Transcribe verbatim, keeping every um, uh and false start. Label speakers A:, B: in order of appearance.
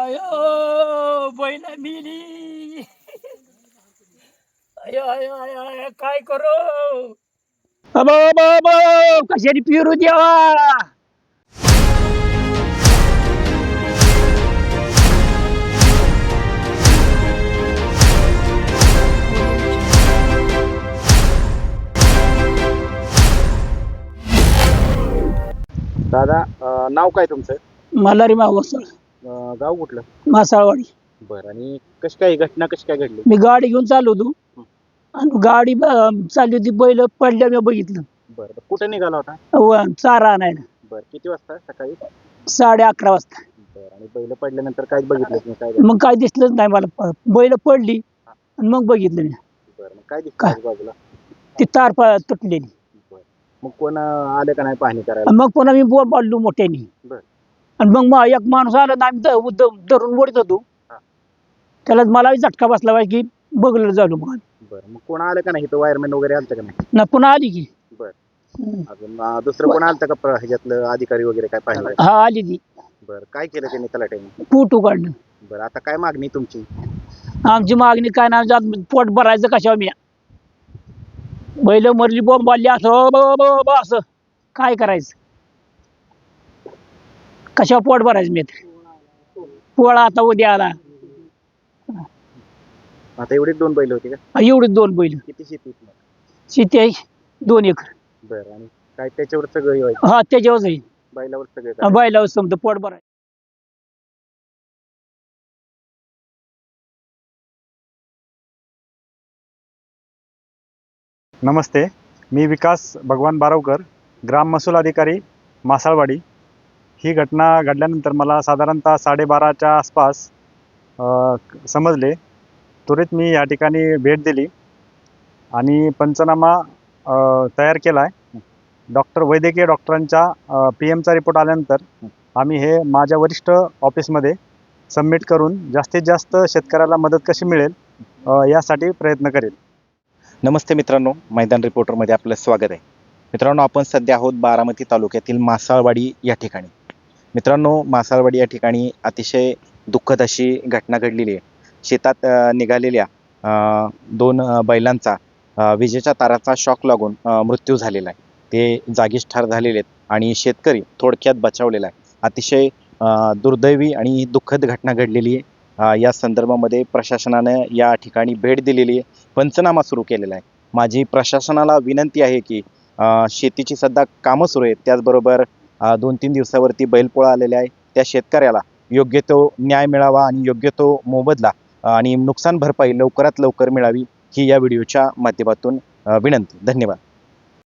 A: अयो बैल मिली. अयो अयो अयो अयो, काय करू. अबो अबो अबो, कशाने पिरू देवा.
B: दादा अ, नाव काय तुमचं?
A: मल्हारी मावसळ,
B: अ, गाव कुठलं?
A: मासाळवाडी.
B: बरं. आणि कशी काय घटना कशी काय घडली?
A: मी गाडी घेऊन चाललो होतो आणि गाडी ब- चालली होती, बैल पडल्या मी बघितलं.
B: बरं बरं. कुठे निघाला होता?
A: व चारा आणायला
B: बरं. किती वाजता सकाळी?
A: साडे अकरा वाजता.
B: बरं. आणि बैल पडल्यानंतर काय बघितलं तुम्ही? काय झालं?
A: मग काय दिसलंच नाही मला. प- बैल पडली आणि मग बघितलं मी.
B: बरं. मग काय दिसलं
A: काय?
B: आजूबाजूला?
A: ती तार प- तुटलेली.
B: बरं. मग कोण अं, आले का नाही पाहणी करायला?
A: आणि मग पुन्हा मी बोल पाडलो मोठ्याने.
B: बरं.
A: आणि मग मा- एक माणूस आला ना, आम्ही द- द- धरून ओढत होतो.
B: हा.
A: त्याला मला झटका बसला पाहिजे की बघलं झालो मग.
B: बरं. मग कोण आलं का नाही? इथं वायरमॅन वगैरे आलतं का नाही?
A: ना पुन्हा आली की.
B: बरं.
A: हम्म.
B: अजून अं, दुसरं कोण आलतं का प्र- ह्याच्यातलं अधिकारी वगैरे काय पाहिलं?
A: हा आली ती.
B: बरं. काय केलं त्यांनी तलाट्याने?
A: पोट उघडलं.
B: बरं. आता काय मागणी तुमची?
A: आमची मागणी काय नाही, जात पोट भरायचं कशावर मी. बैल मरली बॉम्ब आली असं ब- ब- ब- असं काय करायचं. कशावर पोट भरायचं मी. पोळा आता उद्या आला.
B: आता एवढीच दोन बैल होती का?
A: एवढीच दोन बैल.
B: किती शेती आहे तुम्हाला?
A: शेती आहे दोन एकर.
B: बरं. आणि काय त्याच्यावर सगळं हे व्हायचं?
A: हा त्याच्यावर आहे.
B: बैलावर सगळं काय?
A: बैलावर समजा पोट भरायचं.
C: नमस्ते, मी विकास भगवान बारवकर, ग्राम महसूल अधिकारी मासाळवाडी. ही घटना घडल्यानंतर मला साधारणतः साडेबाराच्या आसपास अ, समजले. त्वरित मी या ठिकाणी भेट दिली आणि पंचनामा अ, तयार केला आहे. डॉक्टर वैद्यकीय डॉक्टरांच्या पी एमचा रिपोर्ट आल्यानंतर आम्ही हे माझ्या वरिष्ठ ऑफिसमध्ये सबमिट करून जास्तीत जास्त शेतकऱ्याला मदत कशी मिळेल अ, यासाठी प्रयत्न करेल.
B: नमस्ते मित्रांनो, मैदान रिपोर्टरमध्ये आपलं स्वागत आहे. मित्रांनो, आपण सध्या आहोत बारामती तालुक्यातील मासाळवाडी या ठिकाणी. मित्रांनो, मासाळवाडी या ठिकाणी अतिशय दुःखद अशी घटना घडलेली आहे. शेतात अ, निघालेल्या अ, दोन अ, बैलांचा अ, विजेच्या ताराचा शॉक लागून अ, मृत्यू झालेला आहे. ते जागीच ठार झालेले आहेत आणि शेतकरी थोडक्यात बचावलेला आहे. अतिशय अ, दुर्दैवी आणि दुःखद घटना घडलेली आहे. अ, या संदर्भामध्ये प्रशासनानं या ठिकाणी भेट दिलेली आहे, पंचनामा सुरू केलेला आहे. माझी प्रशासनाला विनंती आहे की अ, शेतीची सध्या कामं सुरू आहेत, त्याचबरोबर अ, दोन तीन दिवसावरती बैलपोळा आलेला आहे. त्या शेतकऱ्याला योग्य तो न्याय मिळावा आणि योग्य तो मोबदला अ, आणि नुकसान भरपाई लवकरात लवकर मिळावी, ही या व्हिडिओच्या माध्यमातून अ, विनंती. धन्यवाद.